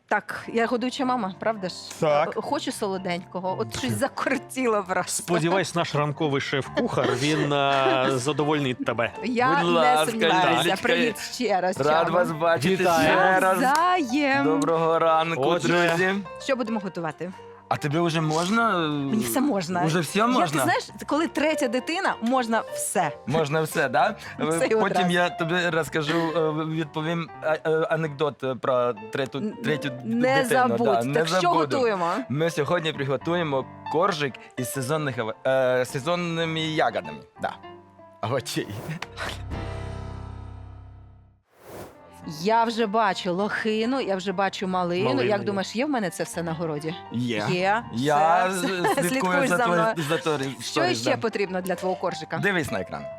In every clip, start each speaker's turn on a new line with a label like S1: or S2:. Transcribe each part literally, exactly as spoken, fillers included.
S1: Так, я годуюча мама, правда ж?
S2: Так.
S1: Е, Хочу солоденького, от щось закортіло просто.
S2: Сподіваюсь, наш ранковий шеф-кухар, він е, задовольнить тебе.
S1: Я
S3: Будь
S1: не
S3: ласка,
S1: сумніваюся.
S3: Лілечка,
S1: Привіт ще раз.
S3: Рад
S1: Чаба.
S3: вас бачити
S2: Вітаю.
S3: ще раз.
S1: Навзаєм.
S3: Доброго ранку,
S2: Отже.
S3: друзі.
S1: Що будемо готувати?
S3: А тобі вже можна?
S1: Мені все можна.
S3: Уже все
S1: Я, ти
S3: можна?
S1: знаєш, коли третя дитина, можна все.
S3: Можна все, так? Да?
S1: Все і
S3: Потім
S1: одразу.
S3: я тобі розкажу, е, відповім е, е, анекдот про третю,
S1: Н-
S3: третю
S1: Не
S3: дитину.
S1: забудь.
S3: Да,
S1: Так
S3: не
S1: що
S3: забуду.
S1: готуємо?
S3: Ми сьогодні приготуємо коржик із сезонних, ава- е, сезонними ягодами. Да. Овочей.
S1: Я вже бачу лохину, я вже бачу малину.
S2: Малину
S1: Як
S2: є.
S1: думаєш, є в мене це все на городі?
S3: Є.
S1: Є.
S3: Я
S1: все,
S3: з-
S1: все.
S3: слідкую
S1: Слідкуєш
S3: за
S1: за
S3: твоєю
S1: мною.
S3: за твоєю
S1: Що
S3: сторіс,
S1: ще
S3: да.
S1: потрібно для твого коржика?
S3: Дивись на екран.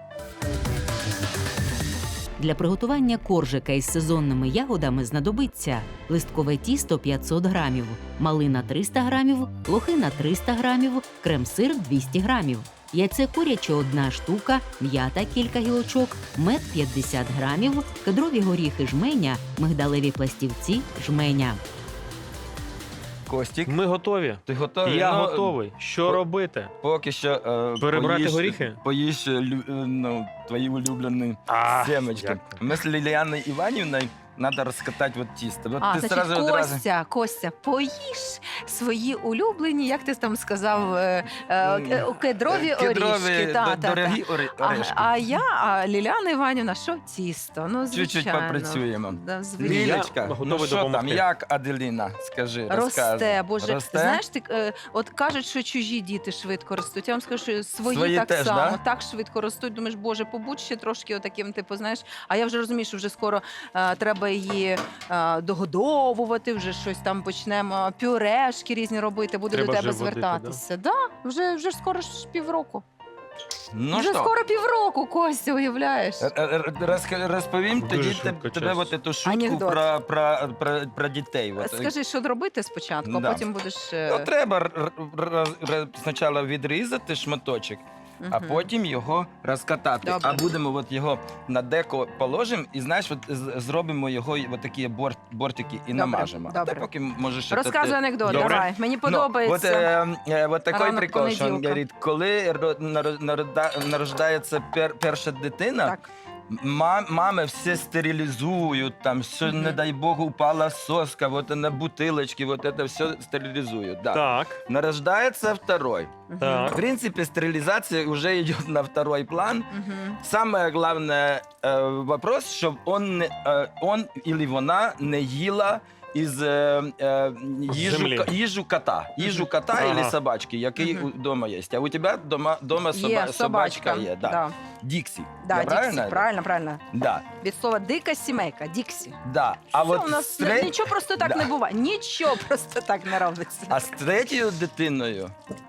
S4: Для приготування коржика із сезонними ягодами знадобиться листкове тісто п'ятсот грамів, малина триста грамів, лохина триста грамів, крем-сир двісті грамів, яйце куряче одна штука, м'ята кілька гілочок, мед п'ятдесят грамів, кедрові горіхи жменя, мигдалеві пластівці жменя.
S3: Костік,
S2: Ми готові.
S3: ти готовий?
S2: Я
S3: Ну,
S2: готовий. Що
S3: по-
S2: робити?
S3: Поки що е,
S2: Перебрати
S3: поїж,
S2: горіхи?
S3: Поїж е, лю- е, ну, твої улюблені
S2: А,
S3: семечки.
S2: дякую.
S3: Ми з Ліліаною Іванівною треба розкатати от тісто. От
S1: А,
S3: ти
S1: значить,
S3: сразу одразу...
S1: Костя, Костя, поїж свої улюблені, як ти там сказав, е, е,
S3: М,
S1: кедрові
S3: Кедрові,
S1: орішки.
S3: до-
S1: Та, та, та.
S3: дорогі ори-
S1: А,
S3: орешки.
S1: а я, а Ліляна Іванівна, що тісто? Ну, звичайно.
S3: Чуть-чуть попрацюємо.
S1: Да, звичайно.
S2: Я
S3: Лілечка,
S2: готовий
S3: ну що там,
S2: допомогти.
S3: як Аделіна? Скажи, розказуй.
S1: Росте, боже,
S3: Росте?
S1: знаєш, ти е, от кажуть, що чужі діти швидко ростуть. Я вам скажу, що свої,
S3: Свої
S1: так
S3: теж,
S1: само
S3: да?
S1: так швидко ростуть. Думаєш, боже, побудь ще трошки отаким, типу, знаєш. А я вже розумію, що вже скоро е, треба її е, догодовувати, вже щось там почнемо, пюрешки різні робити, буду
S2: Треба
S1: до тебе
S2: вже водити,
S1: звертатися. Да? Вже, вже ж скоро ж півроку.
S3: Ну
S1: вже
S3: що?
S1: скоро півроку, Костя, уявляєш?
S3: Р- р- розка- Розповім
S2: Дуже
S3: тоді
S2: швидко,
S3: тебе, тебе
S2: чесно.
S3: от эту шутку
S1: Анекдот.
S3: про, про, про, про дітей. От.
S1: Скажи, що робити спочатку,
S3: Да.
S1: а потім будеш... е,
S3: Ну, треба р- р- р- спочатку відрізати шматочок, а
S1: мгм.
S3: потім його розкатати.
S1: Добре.
S3: А будемо от його на деко положимо і, знаєш, от з- зробимо його от такі борт, бортики і
S1: Добре,
S3: намажемо. А
S1: добре.
S3: ти поки можеш...
S1: Розказуй анекдот,
S2: Добре.
S1: давай. Мені
S3: Ну,
S1: подобається.
S3: от, е, е, от такий
S1: Ранок
S3: прикол, що він
S1: понеділка.
S3: говорить, коли ро- наро- народа- народжується пер, перша дитина,
S1: Так.
S3: Ма- мами все стерилізують, там все,
S1: Мгм.
S3: не дай Бог, упала соска, вот на бутылочке, вот это все стерилизуют. Да.
S2: Так,
S3: Нарождается второй.
S1: Мгм.
S2: так.
S3: В принципе, стерилизация уже идет на второй план.
S1: Мгм.
S3: Самое главное э, вопрос, чтобы он, не- э, он или вона не їла із е, е, їжу,
S2: Землі.
S3: ка- їжу кота. Їжу кота
S2: Ага.
S3: или собачки, який
S1: Мгм.
S3: вдома є. А у тебе дома, дома
S1: Є
S3: соба,
S1: собачка.
S3: собачка є. Да.
S1: Да.
S3: Діксі.
S1: Да,
S3: Я
S1: Діксі,
S3: правильно?
S1: правильно, правильно.
S3: Да.
S1: Від слова дика сімейка, Діксі.
S3: Да. А
S1: Все,
S3: от
S1: у нас
S3: з тре-
S1: нічого просто так
S3: Да.
S1: не буває. Нічого просто так не робиться.
S3: А з третьою дитиною,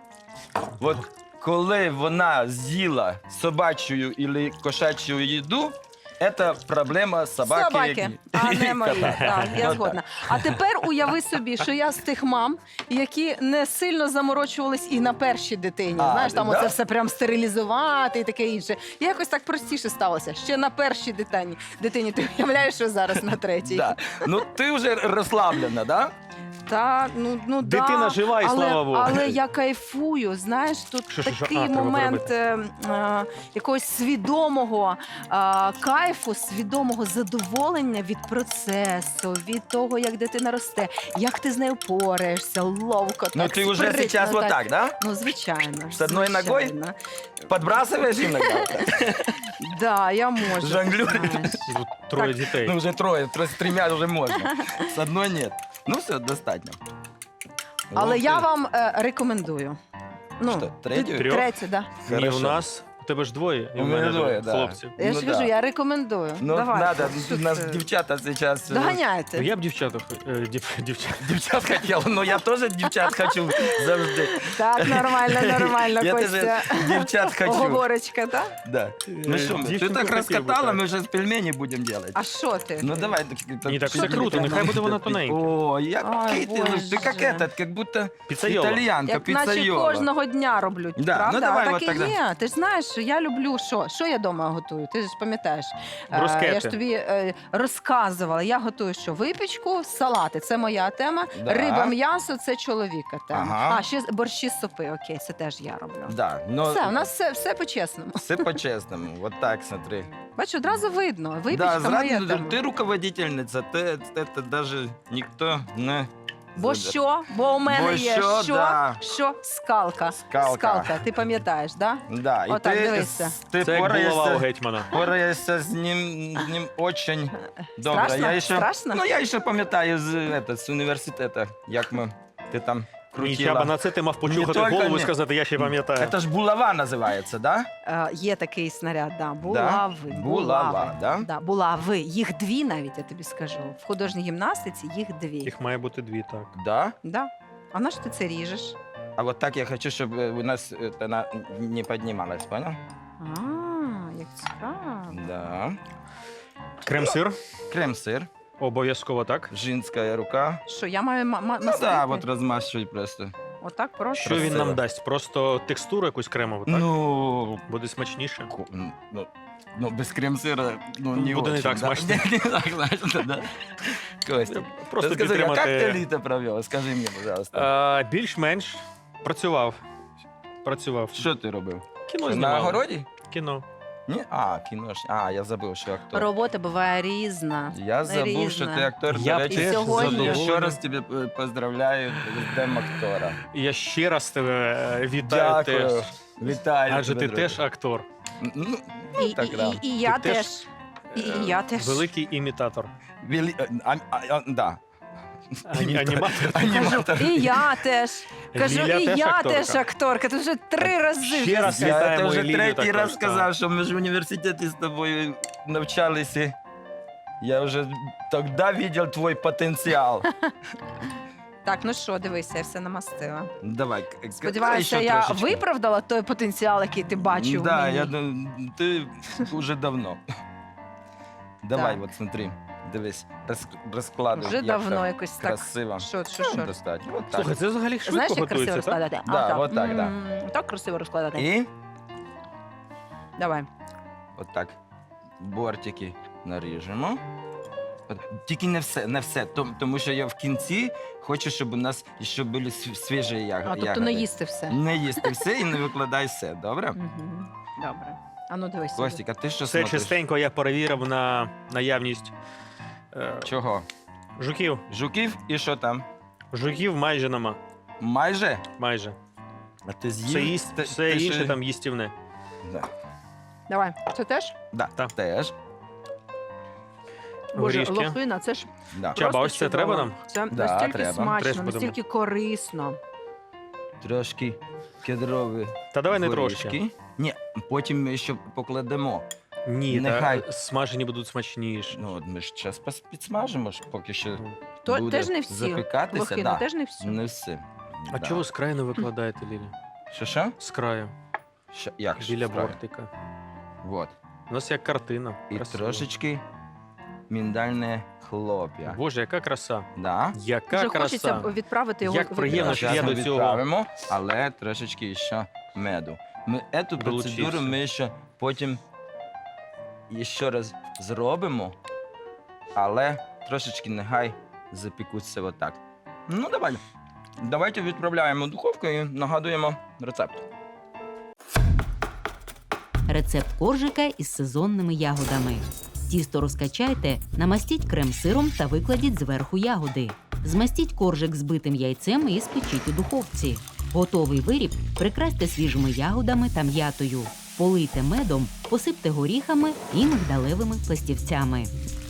S3: от коли вона з'їла собачу або кошачу їду, це проблема собаки.
S1: Собаки, а
S3: і
S1: не мої.
S3: кота.
S1: Так, я
S3: Ну,
S1: згодна. А тепер уяви собі, що я з тих мам, які не сильно заморочувались і на першій дитині.
S3: А,
S1: Знаєш, там
S3: да?
S1: оце все прям стерилізувати і таке інше. І якось так простіше сталося. Ще на першій дитині. Дитині ти уявляєш, що зараз на третій.
S3: Да. Ну ти вже розслаблена, да?
S1: Та, ну, ну
S2: Дитина
S1: да,
S2: жива, і
S1: але,
S2: слава Богу.
S1: Але я кайфую, знаєш, тут
S2: Що, що, що?
S1: такий
S2: А, треба
S1: момент
S2: переробити.
S1: е, е, якогось свідомого е, кайфу, свідомого задоволення від процесу, від того, як дитина росте, як ти з нею пораєшся, ловко,
S3: Ну
S1: так,
S3: ти вже
S1: спритно,
S3: зараз вот так, да?
S1: Ну, звичайно.
S3: З одною ногою?
S1: звичайно.
S3: Подбрасываешь иногда?
S1: Да, я можу.
S3: Жонглюрить.
S1: знаєш.
S2: Тут троє дітей.
S3: Ну вже троє, тро- з трьома вже можна. З одної ні. Ну все, достатньо.
S1: Але
S3: Ух
S1: я
S3: ти.
S1: вам е, рекомендую. Ну,
S3: Що, третю?
S2: Трьох?
S1: Третю, да.
S2: Ні,
S3: Хорошо.
S2: у нас, у тебе ж двоє. і
S3: У
S2: в
S3: мене двоє, да.
S2: хлопців.
S1: Я
S3: Ну
S1: ж
S3: да.
S1: кажу, я рекомендую.
S3: Ну,
S1: Давай.
S3: надо,
S1: Що
S3: у нас
S1: це?
S3: дівчата зараз... е,
S1: Доганяйте.
S2: Я б дівчата, хо- е, дів, дівчат.
S3: Дівчат хотів, ну я теж дівчат хочу завжди.
S1: Так, нормально, нормально,
S3: Я
S1: Костя.
S3: теж дівчат хочу.
S1: Оговорочка, так?
S3: Да. Ну що, ми? Ти
S2: Дівчинку
S3: так
S2: хотів би,
S3: розкатала,
S2: так.
S3: ми вже пельмені будемо робити.
S1: А що ти?
S3: Ну давай.
S2: Ні, так
S1: Що
S2: все
S1: тобі
S2: круто,
S1: треба?
S2: нехай буде вона тоненька.
S3: О,
S1: Ой,
S3: який ти, ну, ти як
S1: Боже.
S3: этот, як будто
S2: Піцайола.
S3: італіянка,
S1: Як наче
S3: піцайола.
S1: кожного дня роблю,
S3: Да,
S1: правда?
S3: ну давай
S1: а
S3: от
S1: так і
S3: тогда.
S1: є. Ти ж знаєш, я люблю що? Що я вдома готую? Ти ж пам'ятаєш. Е,
S2: Брускети.
S1: Я ж тобі е, розказувала. Я готую що? Випічку, салати. Це моя тема.
S3: Да.
S1: Риба, м'ясо це чоловіка тема.
S3: Ага.
S1: А, ще борщі з супи. Окей, це теж я роблю.
S3: Да, но
S1: Все, у нас все, все по-чесному.
S3: все по-чесному. Вот так, смотри.
S1: Бачу, одразу видно. Випічка
S3: Да,
S1: моя
S3: зразу,
S1: тема.
S3: ти руководительниця, ти, це даже ніхто не...
S1: Бо що? Бо у мене
S3: Бо
S1: є
S3: що,
S1: що?
S3: да.
S1: Що? Скалка.
S3: Скалка.
S1: Скалка. Ти пам'ятаєш, да?
S3: Да, і
S1: Отак,
S3: ти,
S1: дивися.
S3: ти
S2: Це як булава у
S3: пораєшся,
S2: гетьмана.
S3: пораєшся з ним, з ним очень добре.
S1: Страшно?
S3: Я ще,
S1: Страшно?
S3: Ну, я ще пам'ятаю з, это, з університету, як ми, ти там
S2: Ні,
S3: крутила.
S2: Чаба, на це ти мав почухати
S3: тільки
S2: голову і
S3: ні.
S2: сказати, я ще пам'ятаю.
S3: Це ж булава називається, да?
S1: Е, є такий снаряд, да. Булави.
S3: Булава, да?
S1: Да, булави. Їх дві навіть, я тобі скажу. В художній гімнастиці їх дві.
S2: Їх має бути дві, так.
S3: Да?
S1: Да. А на що ти це ріжеш?
S3: А вот так я хочу, щоб е, у нас е, вона не піднімалась, понял?
S1: А, як цікаво.
S3: Да.
S2: Крем-сир.
S3: Крем-сир,
S2: Обов'язково так.
S3: жінська рука.
S1: Що, я маю ма- ма-
S3: Ну
S1: мастити?
S3: да, от розмащуй просто.
S1: Отак просто?
S2: Що він
S3: Красиво.
S2: нам дасть? Просто текстуру якусь кремову, так?
S3: Ну,
S2: Буде смачніше.
S3: ку- ну, ну, без крем-сира, ну, не
S2: Буде не
S3: очень,
S2: так
S3: да?
S2: смачно.
S3: Не так смачно, да. Костя,
S2: Просто
S3: скажи, а як
S2: підтримати.
S3: ти літо провів? Скажи мені, пожалуйста.
S2: А, більш-менш працював. Працював.
S3: Що ти робив?
S2: Кіно
S3: На
S2: знімав.
S3: огороді?
S2: Кіно.
S3: Ні? А, кіно ж. А, я забув, що актор.
S1: Робота буває різна.
S3: Я забув, що
S1: Різна.
S3: ти актор.
S2: Я
S3: До речі,
S2: теж
S1: сьогодні-
S3: я ще
S2: задоволений.
S3: раз тебе е, поздравляю з Днем актора.
S2: І я ще раз тебе е, вітаю
S3: Дякую.
S2: теж.
S3: Вітаю.
S2: Адже
S3: тебе,
S2: ти
S3: друже.
S2: теж актор.
S3: Ну,
S1: І,
S3: так,
S1: і,
S3: да.
S1: і, і я
S2: Ти теж,
S1: теж. І,
S2: Е,
S1: і я теж.
S2: Великий імітатор.
S3: Вілі... А, а, а, да.
S2: Ані- Аніматор.
S1: Кажу,
S3: Аніматор.
S1: і я теж. Кажу,
S2: Ліля
S1: і
S2: теж
S1: я
S2: акторка.
S1: теж акторка. Ти вже три рази.
S2: Ще
S1: вже
S2: раз
S1: сказав.
S3: Я
S2: Вітаємо
S3: це вже
S2: Еліну
S3: третій
S2: також,
S3: раз
S2: так.
S3: сказав, що ми ж в університеті з тобою навчалися. Я вже тоді бачив твій потенціал.
S1: Так, ну що, дивися, я все намастила.
S3: Давай. к- к-
S1: Сподіваюся,
S3: ще
S1: я
S3: трошечки.
S1: виправдала той потенціал, який ти бачив. в
S3: Да,
S1: мені.
S3: я, дум- ти уже давно. Давай,
S1: Так.
S3: от смотри, дивись, роз, розкладуй.
S1: Вже
S3: як
S1: давно
S3: там
S1: якось так.
S3: красиво.
S1: Що, що,
S3: Ну,
S1: що?
S3: достать. От так.
S2: Слухай, це взагалі швидко
S1: Знаєш, як красиво
S2: готується, так?
S1: розкладати?
S3: Да,
S1: а, так.
S3: от так, да.
S1: М, Так красиво розкладати.
S3: І
S1: Давай.
S3: от так бортики наріжемо. От, тільки не все, не все, том- тому що я в кінці хочу, щоб у нас ще були св- свіжі яг-
S1: А, тобто
S3: ягоди.
S1: не їсти все.
S3: Не їсти все і не викладай все, добре?
S1: Мгм. Добре. А ну дивись. сюди.
S3: Костік, а ти що
S2: Все
S3: смотриш?
S2: чистенько я перевірив на наявність е,
S3: Чого?
S2: жуків.
S3: Жуків і що там?
S2: Жуків майже нема.
S3: Майже?
S2: Майже.
S3: А ти з'їв?
S2: Все, їсть,
S3: Ти-
S2: все
S3: ти
S2: інше
S3: ще-
S2: там їстівне.
S3: Да.
S1: Давай. Це теж?
S3: Да,
S2: Так.
S3: теж.
S1: Боже,
S2: Горішки.
S1: лохина, це ж
S3: Да.
S2: Чаба,
S1: просто
S2: ось це
S1: чудово.
S2: треба нам?
S1: Це
S3: Да,
S1: настільки
S3: треба.
S1: смачно,
S2: Треш будемо.
S1: настільки корисно.
S3: Трошки кедрові
S2: Та давай не
S3: горішки.
S2: трошки.
S3: Ні, потім ми ще покладемо.
S2: Ні,
S3: Нехай.
S2: та смажені будуть смачніші.
S3: Ну, от ми ж час пос- підсмажимо, ж, поки що
S1: То
S3: буде
S1: теж не всі.
S3: запікатися.
S1: Лохину
S3: Да.
S1: теж не всі.
S3: Не всі.
S2: А
S3: Да.
S2: чого ви з краю не викладаєте, Лілі?
S3: Що, що?
S2: З краю,
S3: Що? Як
S2: біля
S3: справа?
S2: бортика.
S3: Вот.
S2: У нас як картина.
S3: І
S2: Красиво.
S3: трошечки міндальне хлоп'я.
S2: Боже, яка краса.
S3: Да.
S2: Яка
S1: Вже
S2: краса.
S1: хочеться відправити його.
S2: Як
S1: в-
S2: приємно, що
S3: Зараз
S2: я
S3: ми
S2: до цього-
S3: відправимо, але трошечки ще меду. Ми цю
S2: Долучився.
S3: процедуру ми ще потім ще раз зробимо, але трошечки нехай запікуться отак. Ну, давай. Давайте відправляємо в духовку і нагадуємо рецепт.
S4: Рецепт коржика із сезонними ягодами. Тісто розкачайте, намастіть крем-сиром та викладіть зверху ягоди. Змастіть коржик збитим яйцем і спечіть у духовці. Готовий виріб прикрасьте свіжими ягодами та м'ятою. Полийте медом, посипте горіхами і мигдалевими пластівцями.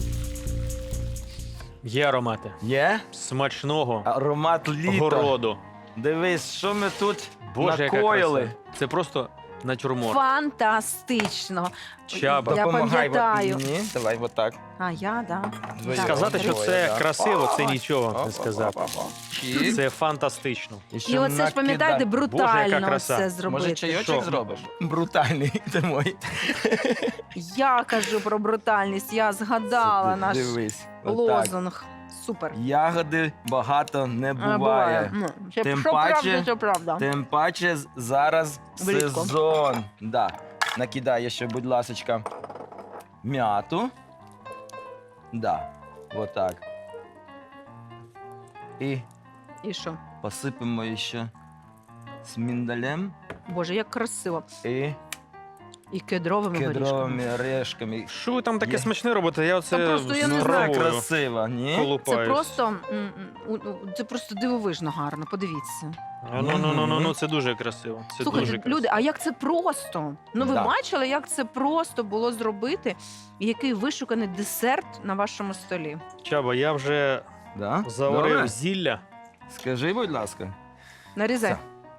S2: Є аромати.
S3: Є
S2: Смачного
S3: аромат літа.
S2: городу.
S3: Дивись, що ми тут
S2: Боже, яка
S3: накоїли.
S2: краса. Це просто натюрморт.
S1: Фантастично.
S2: Чаба.
S1: Я
S3: Допомагай от
S1: пам'ятаю.
S3: мені. Давай отак.
S1: А я, да.
S3: Двоє.
S1: Так.
S2: Сказати, що
S3: Двоє,
S2: це
S3: да.
S2: красиво, це
S3: О,
S2: нічого
S3: о,
S2: не
S3: о,
S2: сказати.
S3: о, о, о. І-
S2: Це фантастично.
S3: і ще
S1: І оце ж
S3: накидай.
S1: пам'ятаєте,
S2: Боже,
S1: брутально
S2: яка краса.
S1: це зробити.
S3: Може, чайочок
S2: Що?
S3: зробиш? Брутальний ти мой.
S1: Я кажу про брутальність, я згадала наш
S3: Дивись. отак.
S1: лозунг. Супер.
S3: Ягоди багато не
S1: А,
S3: буває.
S1: Ну, це
S3: Тим
S1: що
S3: паче-
S1: правда, це правда.
S3: Тим паче з- зараз
S1: Влітку.
S3: сезон. Да. накидай ще, будь ласочка, м'яту. Да, вот так. І
S1: І що?
S3: посипемо ще з міндалем
S1: Боже, як красиво.
S3: і
S1: І кедровими горішками.
S3: кедровими орешками.
S2: Що ви там таке
S3: Є.
S2: смачне робите? Я оце
S1: Та просто я не
S3: Ну,
S1: знаю.
S3: так
S2: спробую.
S3: красиво, ні?
S1: Це
S2: Колупаюсь.
S1: просто, м, м, у- у- це просто дивовижно гарно, подивіться.
S2: А, Ну, ну, ну, ну, ну, це дуже красиво. Це
S1: Слухайте,
S2: дуже красиво.
S1: люди, а як це просто? Ну ви
S3: Да.
S1: бачили, як це просто було зробити? І який вишуканий десерт на вашому столі?
S2: Чаба, я вже
S3: Да?
S2: заварив
S3: Добре?
S2: зілля.
S3: Скажи, будь ласка.
S1: Нарізай.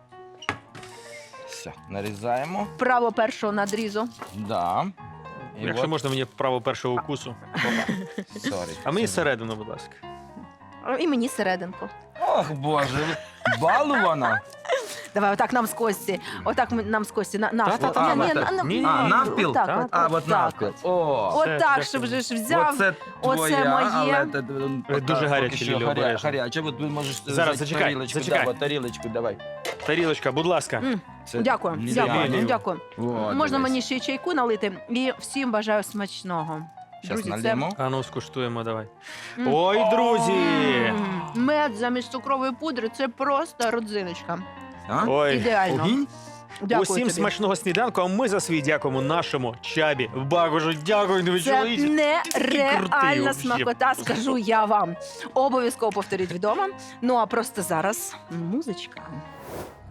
S3: Все, нарізаємо.
S1: Право першого надрізу.
S3: Да. І
S2: Якщо
S3: от-
S2: можна мені право першого укусу.
S3: Сорі.
S2: А мені
S3: Це-
S2: середину, будь ласка.
S1: А, І мені серединку.
S3: Ох, Боже, ви балувана.
S1: Давай, отак нам з Кості. Отак ми- нам з Кості. На, навпіл.
S2: Та-та-та,
S1: Ні, ні,
S3: отак.
S1: на- на-
S2: Ні,
S3: А,
S2: ні,
S3: навпіл?
S1: Отак,
S2: Так.
S1: от,
S3: А,
S1: от
S3: от
S1: так
S3: навпіл.
S1: от.
S3: О,
S2: Все,
S1: Отак,
S2: дякую.
S1: щоб вже ж взяв.
S3: оце
S1: оце
S3: твоя,
S1: моє.
S3: але це,
S2: Ви дуже
S3: поки
S2: гарячі,
S3: що
S2: Лілі,
S3: гаря-
S2: обережно.
S3: Гаряче, от ви можеш
S2: Зараз,
S3: взяти
S2: зачекай,
S3: тарілочку,
S2: зачекай.
S3: Да, от тарілочку, давай.
S2: Тарілочка, будь ласка.
S1: М,
S3: Це
S1: Дякую,
S3: Лілія.
S1: дякую,
S2: Лілію.
S1: дякую.
S3: О,
S1: Можна
S3: дивись.
S1: мені ще й чайку налити. І всім бажаю смачного.
S3: Щас
S1: Друзі, це
S3: нальємо.
S2: А ну, скуштуємо, давай.
S1: М.
S2: Ой, друзі!
S1: М, мед замість цукрової пудри це просто родзиночка.
S3: А?
S2: Ой,
S1: Ідеально.
S3: Огінь?
S1: Дякую
S2: усім
S1: тобі.
S2: смачного сніданку, а ми за свій дякуємо нашому Чабі. Багажу, дякую, ви
S1: Це
S2: чоловічі. крутий
S1: нереальна
S2: вообще.
S1: смакота, скажу я вам. Обов'язково повторіть вдома. Ну а просто зараз музичка.